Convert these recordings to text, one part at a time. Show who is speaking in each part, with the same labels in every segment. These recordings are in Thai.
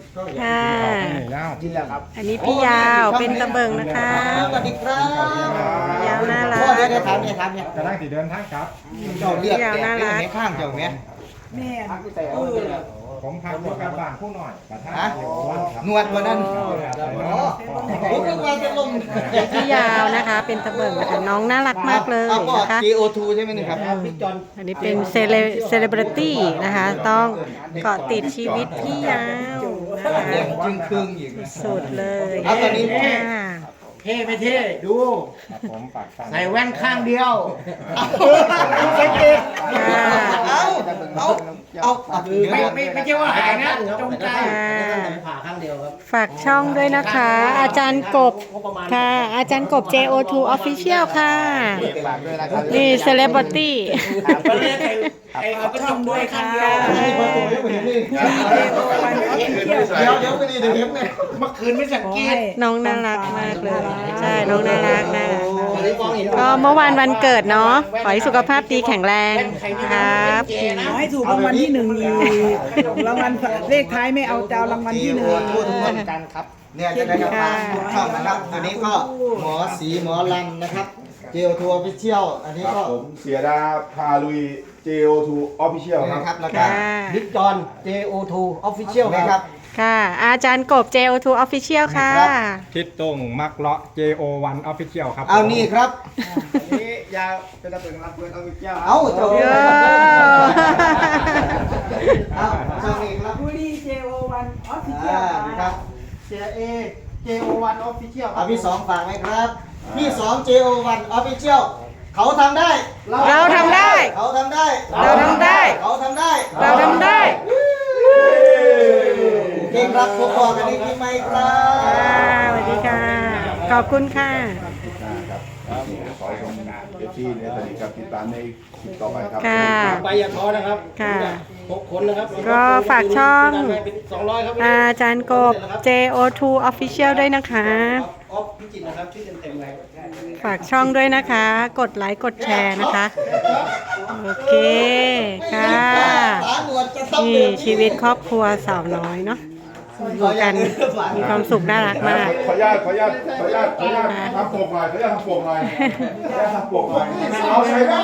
Speaker 1: ค่ะ
Speaker 2: กินแล้วครับ
Speaker 1: อันนี้พี่ยาวเป็นตะเบิงนะคะ
Speaker 3: สวัสดีครับ
Speaker 1: ยาวน่ารัก
Speaker 3: พ่อเดี๋ยวถามเนี่ย
Speaker 2: กำลังสิเดินทางครับ
Speaker 3: เจ้าเรียก
Speaker 1: ยาวน่ารัก
Speaker 3: ในข้างเจ้าแม่
Speaker 2: ผมพักอยู่กับบ้านผู้หน่อยประธาน
Speaker 3: ฮะ
Speaker 2: เดี๋ยววันครับ
Speaker 3: นวดวันนั้นผมนึกว่าจะลง
Speaker 1: พี่ยาวนะคะ เป็นตะเบิงนะคะน้องน่ารักมากเลยนะคะ
Speaker 3: GO2 ใช่ไหมนี่ครับพี่จอน
Speaker 1: อันนี้เป็นเซเลบริตี้นะคะ ต้องเกาะติดชีวิตพี่ยาวนะคะ
Speaker 3: จึงครึ่งอีก
Speaker 1: สุดเลย
Speaker 3: เอาตอนนี้
Speaker 1: ค่ะ
Speaker 4: เท่ไม่เท่ดู
Speaker 2: ครับผมฝากสั่ง
Speaker 4: ใส่แว่นข้างเดียว
Speaker 3: สังเกต
Speaker 1: ค่ะ
Speaker 3: เอา
Speaker 4: ไม่ใช่ว่าหายนะจงใจ
Speaker 1: ค่ะ
Speaker 4: ผ่าข้างเดียวครับ
Speaker 1: ฝากช่องด้วยนะคะ อาจารย์กบค่ะ อาจารย์กบ JO2 Official ค่ะ
Speaker 3: ฝากด้วยนะครับ
Speaker 1: นี่เซเลบริตี้
Speaker 4: ก็เรียกไอ้เอากระจกด้วยข้างเดียว
Speaker 3: เดี๋ยวไปดีเดี๋ยวเห็นไหม
Speaker 4: เมื่อคืนไม่สังเกต
Speaker 1: น้องน่ารักมากเลย ใช่ น้องน่ารักนะ
Speaker 4: ตอนนี้มองเห็น
Speaker 1: ก็เมื่อวานวันเกิดเนาะ ขอให้สุขภาพดีแข็งแรงครับ
Speaker 5: ขอให้ถูกรางวัลที่หนึ่งอีกรางวัลเลขท้ายไม่เอาจะเอารางวัลที่หนึ่ง
Speaker 3: ทั่วทุกคนกันครับเนี่ยจะได้รับการเข้านะครับอันนี้ก็หมอสีหมอลำนะครับ GO2 Official อันนี้
Speaker 6: ครั
Speaker 3: ก็
Speaker 6: บผมเสียดาพาลุย JO2 Official ค
Speaker 3: นะค
Speaker 6: รั
Speaker 3: รับบ แล้วก็
Speaker 1: ค่ะ
Speaker 3: บิ๊กจอน JO2 Official นะครับ
Speaker 1: ค่ะ อาจารย์กบ JO2 Official ค่ะ
Speaker 2: ทิศตรงมักเลาะ JO1 Official ครับ
Speaker 3: เอานี่ครับ
Speaker 2: นี่ยาวเป็นตะเบิงรับเพื่อนเอาไปเจ้า
Speaker 3: เอาเจ้า
Speaker 1: เยอะ
Speaker 3: เอาเจ้านี่ครับ
Speaker 5: บุรีเจโอวันออฟฟิเชีย
Speaker 3: อ่า
Speaker 5: ล
Speaker 3: นี่ครับ
Speaker 4: เสียเอ JO1 Official
Speaker 3: เอาพี่สองฝากไหมครับ พี่สอง JO1 Official เขาทำได้
Speaker 1: เราทำได้
Speaker 3: เขาทำได้
Speaker 1: เราทำได้
Speaker 3: เขาทำได้
Speaker 1: เราทำได้
Speaker 3: โอเคครับพบกันในคลิปใหม่ครับ
Speaker 1: ค่ะสวัสดีค่ะ ขอบคุณค่ะ
Speaker 6: ครับขอให้ชมเอฟซีเนี่ยสวัสดีครับติดตามในคลิปต่อไปครับ
Speaker 1: ค่ะ
Speaker 4: ไปอย่าท้อนะครับ
Speaker 1: ค่ะ
Speaker 4: 6 คนนะครับ
Speaker 1: ก็ฝากช่อง
Speaker 4: เป็น200ครับ
Speaker 1: อาจารย์กบ JO2 Official ด้วยนะคะ
Speaker 4: ออฟพิจิตรนะครับชื่อเต็มๆเลย
Speaker 1: ฝากช่องด้วยนะคะ กดไลค์กดแชร์นะคะ โอเค ค่ะ
Speaker 3: ตาหนวดจะทำ
Speaker 1: นี่ชีวิตครอบครัวสาวน้อยเนาะอยู่กันมีความสุขน่ารักมาก
Speaker 6: ขออนุญาตทำปกหน่อยทำปกหน่อยเอาใช้ได้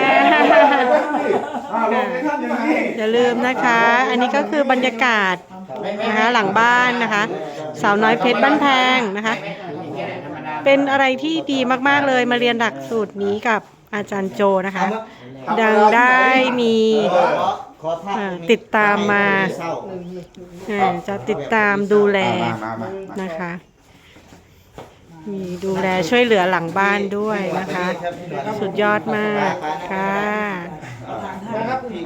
Speaker 6: ลงในท่านอย่างนี้
Speaker 1: อย่าลืมนะคะ อันนี้ก็คือบรรยากาศนะคะหลังบ้านนะคะ สาวน้อยเพชรบ้านแพงนะคะ เป็นอะไรที่ดีมากๆเลยมาเรียนหลักสูตรนี้กับอาจารย์โจนะคะ ดังได้มีติดตามมาจะติดตามดูแลนะคะ มีดูแลช่วยเหลือหลังบ้านด้วยนะคะ สุดยอดมากค่ะ